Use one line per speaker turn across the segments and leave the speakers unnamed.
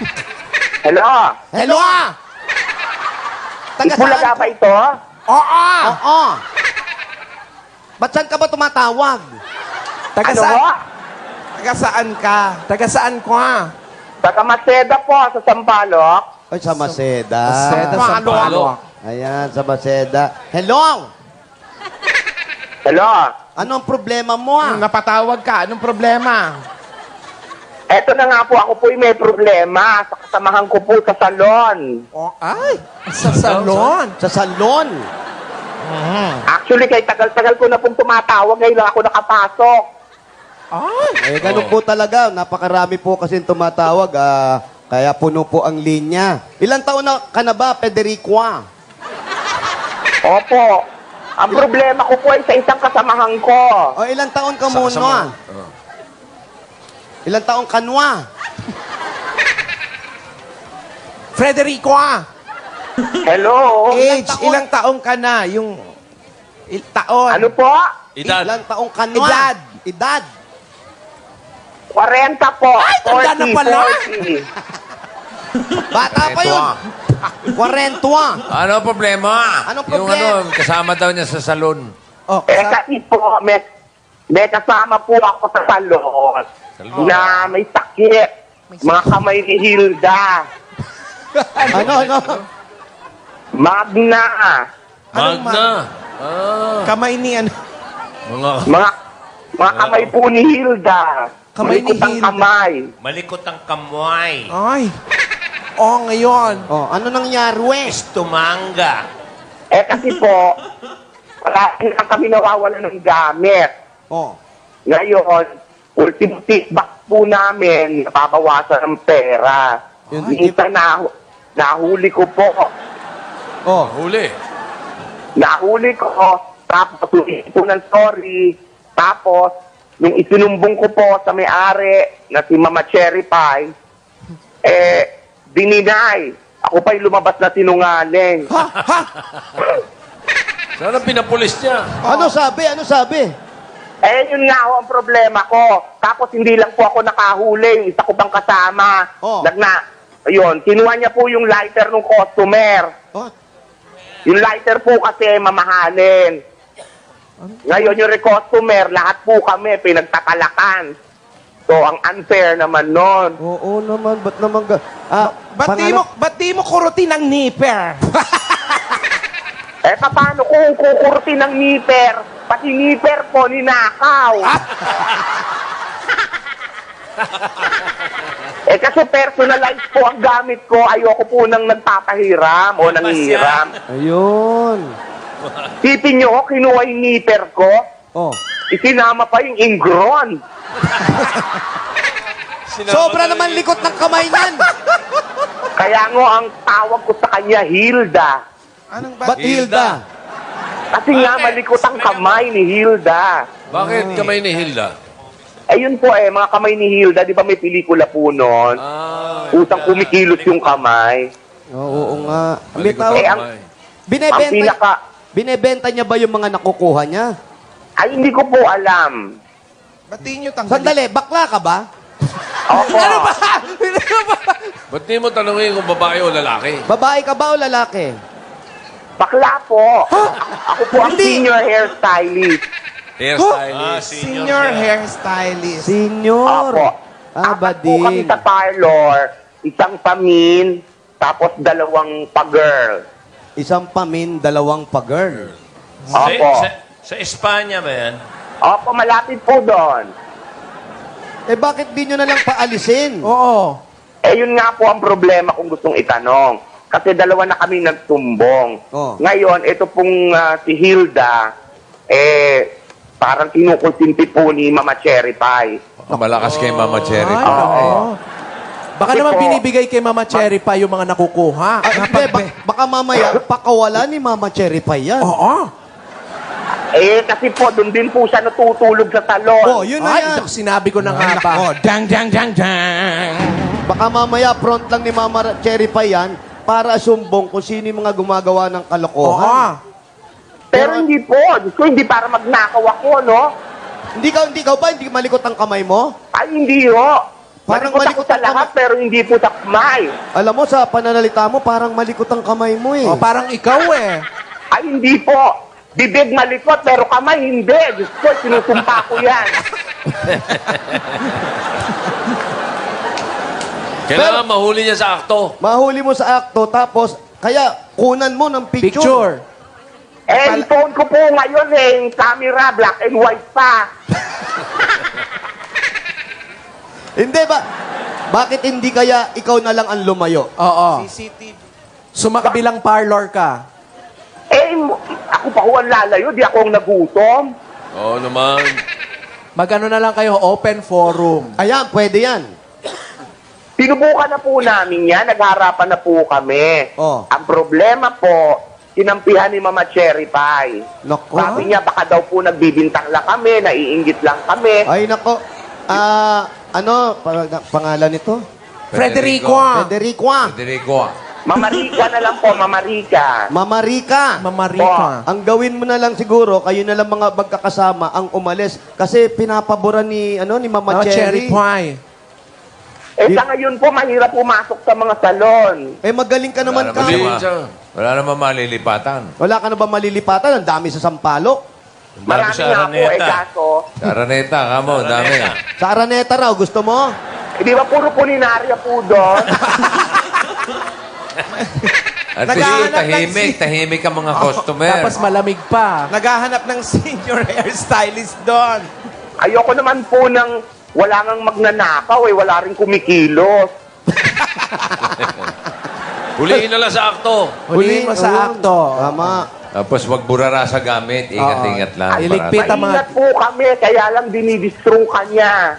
Hello?
Hello? Taga
Ipulaga
saan?
ba ito?
Oo. Oo. Ba't saan ka ba tumatawag?
Taga
Ano
saan?
mo?
Taga saan ka? Taga saan ka?
Taga Maceda po, sa Sampaloc.
Ay, sa Maceda.
Maceda, Sampaloc.
Ayan, sa Maceda. Hello?
Hello?
Ano ang problema mo
Napatawag ka. Anong problema?
Eto na nga po, ako po may problema sa kasamahan ko po sa salon.
Oh, ay, sa salon.
Sa salon.
Actually, kay tagal-tagal ko na pong tumatawag, ngayon lang ako nakapasok.
Ay,
Eh, ganun po talaga. Napakarami po kasi tumatawag. Kaya puno po ang linya. Ilang taon na ka na ba, Federico?
Opo. Ang problema ko po ay sa isang kasamahan ko.
O, ilang taon ka muna? Ilang taon kanwa?
Frederico,
Hello?
age, ilang taong ka na? Yung taon.
Ano po?
Ilang taong kanwa?
Edad.
Edad.
40 po.
Ay, tanda na pala.
40.
Bata pa yun. 40.
Ano ang problema?
Anong
Yung
problema?
kasama daw niya sa salon.
Oh,
Eh, kasi po, may kasama po ako sa salon na may sakit. Mga kamay ni Hilda.
Ano?
Magna.
Magna. Ah,
kamay ni ano?
mga
Mga kamay po ni Hilda.
Kamay ni
Malikot ang
Hilda.
kamay.
malikot ang kamoy.
Ay. Oh, ngayon.
Oh, ano nangyari, wes?
Tumanga.
Eh kasi po, parang lang kami nawawala ng gamit.
Oh.
Ngayon, ultimate feedback po namin, napabawasan ng pera.
Yun,
Minsan nahuli ko po.
Oh.
Huli.
Nahuli ko, tapos humingi po ng sorry. Tapos, nung isinumbong ko po sa may-ari na si Mama Cherry Pie, dininay. Ako pa'y lumabas na sinungaling.
Ha? Ha?
Sana pinapulis niya.
Ano sabi? Ano sabi?
Yun nga ho ang problema ko. Tapos hindi lang po ako nakahuli. Isa ko pang kasama.
Oh.
Ayun, kinuha niya po yung lighter ng customer.
Oh.
Yung lighter po kasi mamahalin. Ngayon yung customer, lahat po kami pinagtatalakan. So, ang unfair naman nun.
Oo naman, ba't naman
Ba't di mo kurutin ang nipper?
Paano kung kukurti ng nipper? Pati nipper po, ninakaw. Kasi personalized po ang gamit ko. Ayoko po nang nagpapahiram o nanghihiram.
Ayun.
Tipin nyo, kinuha yung nipper ko.
Oh.
Isinama pa yung ingron.
Sobra naman likot ng kamay nan.
Kaya nga ang tawag ko sa kanya, Hilda.
Anong
Ba't Hilda?
Kasi nga malikot ang kamay ni Hilda.
Bakit kamay ni Hilda?
Ayun po mga kamay ni Hilda, di ba may pelikula po noon? Utang kumikilos yung kamay.
Oo nga. May
Malikot ang
tawag-
ang-
kamay.
Binebenta niya ba yung mga nakukuha niya?
Ay, hindi ko po alam.
Ba't di nyo tanggalin?
Sandali, bakla ka ba?
Opo.
Ba't di mo tanongin kung babae o lalaki?
Babae ka ba o lalaki?
Bakla po. Ako po ang
Hindi.
senior hairstylist.
Hairstylist.
Senior hairstylist.
Senior.
Opo.
Ah,
Apat po kami
bading.
sa parlor. Isang pamin, tapos 2 pa-girl.
Isang pamin, 2 pa-girl.
Opo.
Sa Espanya ba yan?
Opo, malapit po doon.
Eh, bakit di nyo na lang paalisin?
Oo.
Yun nga po ang problema kung gustong itanong. Kasi 2 na kami nagtumbong.
Oh.
Ngayon, ito pong si Hilda, parang kinukonsinti po ni Mama Cherry Pie.
Malakas kay Mama Cherry.
Ay,
Oo.
oo. Baka
Kasi
naman
po-
binibigay kay Mama Cherry pa yung mga nakukuha.
Hindi, baka mamaya, pakawala ni Mama Cherry Pie yan.
Oo.
Kasi po, doon din po siya natutulog sa salon.
Oh, yun na
Ay,
yan.
sinabi ko na nga ba. Oh, dang, dang, dang, dang.
Baka mamaya, front lang ni Mama Cherry Pie yan para sumbong kung sino yung mga gumagawa ng
Oo.
kalokohan.
Pero hindi po. Diyos ko, hindi para magnakaw ako, no?
Hindi ka ba? Hindi malikot ang kamay mo?
Ay, hindi ho.
Parang
Malikot ako
malikot
sa
ang
lahat, pero hindi po sa kamay.
Alam mo, sa pananalita mo, parang malikot ang kamay mo eh.
Oh, parang ikaw eh.
Ay, hindi po. Bibig malikot, pero kamay hindi. Diyos ko, sinusumpa ko yan.
Kailangan mahuli niya sa akto.
Mahuli mo sa akto, tapos, kaya kunan mo ng picture.
Picture.
Eh, yung phone ko po ngayon eh, yung camera, black and white pa.
Hindi ba? Bakit hindi kaya ikaw na lang ang lumayo?
Oo.
CCTV.
Sumakabilang parlor ka.
Eh, ako pa ho ang lalayo, di ako ang nagutom.
Oo naman.
Magano na lang kayo, open forum.
Ayan, pwede yan.
Sinubukan na po namin yan, nagharapan na po kami.
Oh.
Ang problema po, kinampihan ni Mama Cherry Pie.
Nako.
Sabi niya, baka daw po nagbibintang lang kami, naiinggit lang kami.
Ay, nako. Pangalan nito?
Frederico.
Federico.
Federico.
Mamarika na lang po, Mamarika.
Mama Rica.
Mamarika.
Ang gawin mo na lang siguro, kayo na lang mga magkakasama ang umalis. Kasi pinapaboran ni Mama
Oh, cherry
Cherry.
pie.
Eh, sa ngayon po, mahirap pumasok sa mga salon.
Eh, magaling ka naman ka.
Wala naman malilipatan.
Wala ka na ba malilipatan? Ang dami sa Sampalok.
Ang dami
Marami
sa
nga po, eh,
Araneta.
kaso,
Sa Araneta, kamo, dami.
Sa Araneta raw, gusto mo?
di ba puro pulinarya po doon?
At
Naghahanap
least tahimik ang mga customer.
Tapos malamig pa.
Naghahanap ng senior hairstylist doon.
Ayoko naman po ng wala ngang magnanakaw eh, wala rin kumikilos.
Huliin na lang sa akto.
Huliin mo sa
ayun.
akto.
Tama.
Tapos wag burara sa gamit. Ingat-ingat lang.
Iligpit ang mga...
Maingat po kami, kaya lang dinidistro ka niya.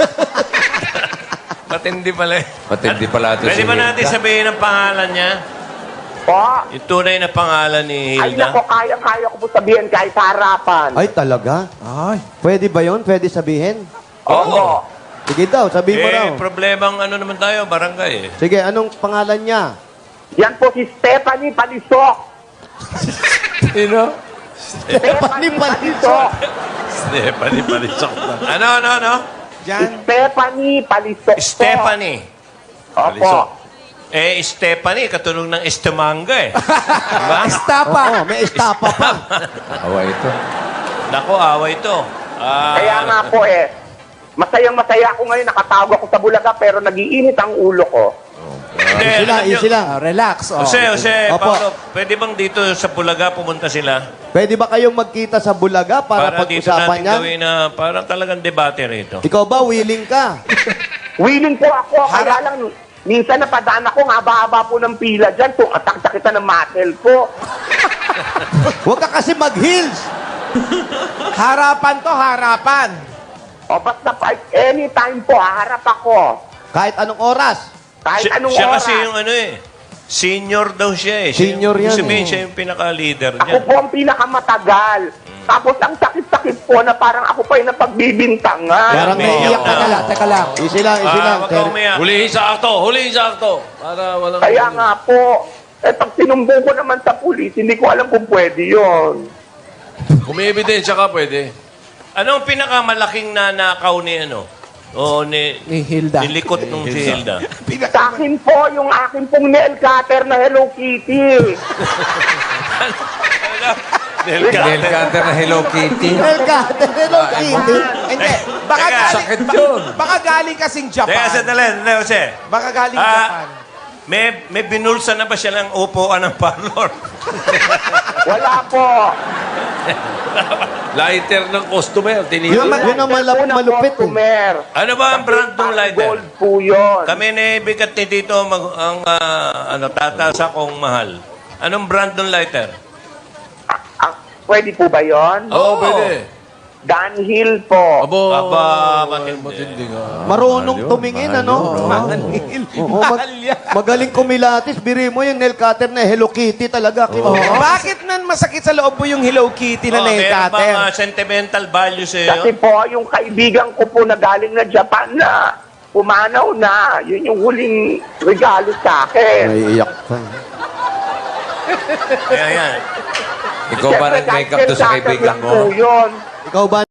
Matindi pala. Matindi pala ito
Pwede ba natin sabihin ang pangalan niya?
Po,
Yung tunay na pangalan ni
ay
Hilda?
nako, kaya ko po sabihin kahit sa harapan.
Ay, talaga?
Ay.
Pwede ba yun? Pwede sabihin?
Oo.
Sige daw, sabihin mo raw.
Problemang ano naman tayo, barangay eh.
Sige, anong pangalan niya?
Yan po si Stephanie Palisok.
Sino?
Stephanie Palisok.
Stephanie Palisok. Ano?
Stephanie Palisok. po.
Stephanie.
Opo.
Stephanie, katunog ng Estamanga eh. Diba?
Estapa.
Oo, may estapa pa.
Awa ito.
Nako, away ito.
Kaya nga po eh, masayang-masaya ako ngayon, nakatawag ako sa Bulaga, pero nagiinit ang ulo ko.
Easy lang.
Ah, relax. Oh.
Jose,
Opo.
Paolo, pwede bang dito sa Bulaga pumunta sila?
Pwede ba kayong magkita sa Bulaga para
dito
pag-usapan
natin
yan?
gawin na parang talagang debate rito.
Ikaw ba, willing ka?
Willing po ako, kaya lang, minsan napadaan ako, ang haba-haba po ng pila dyan, tumatak kita ng muscle ko.
Huwag ka kasi mag-heels.
Harapan to, harapan.
O basta anytime po, haharap ako.
Kahit anong oras.
Kahit anong
siya
oras.
kasi yung ano eh, senior daw siya eh.
Senior yan
Sabihin
eh.
siya yung pinaka-leader
Ako
niya.
po ang pinakamatagal. Tapos ang sakit-sakit po na parang ako pa yung napagbibintangan.
Parang
may
naiiyak ka
iyak
na lang. Teka lang. Easy lang.
Wag ka umiyak.
Huliin sa akto. Huliin sa akto. Para walang...
Kaya nga po, pag sinumbong ko naman sa pulis, hindi ko alam kung pwede yon.
Kung may ebidensya ka, pwede.
Anong pinakamalaking nanakaw ni ano? O ni
Ni Hilda.
Nilikot nung si Hilda.
Sa akin po, yung akin pong nail cutter na Hello Kitty.
Dahil
Nail cutter na Hello Kitty.
Hello, Kitty.
Hindi. Baka
Teka.
galing,
Sakit yun.
baka galing kasing
Teka,
Japan.
sandali, Jose.
Baka galing Japan.
May binulsa na ba siya ng upuan ng parlor?
Wala po.
Lighter ng customer.
Yun ang
Unang
malupit.
customer.
Ano ba ang brand ng lighter?
Gold po yun.
Kami ni bigat ni dito tatasa kong mahal. Anong brand ng lighter?
Pwede po ba yun?
Oo, pwede.
Dunhill po.
Abo.
Aba, matindi.
Marunong tumingin, ano? Oo, magaling kumilatis. Biri mo yung nail cutter na Hello Kitty talaga.
Bakit nan masakit sa loob mo yung Hello Kitty na nail
meron
cutter?
bang sentimental value sa
Kasi
iyo?
po, yung kaibigan ko po na galing na Japan na pumanaw na, yun yung huling regalo sa akin.
Naiiyak pa.
Kaya yan.
Ikaw ba nag-makeup doon sa kaibigan
lang po
mo?
yun.
Ikaw ba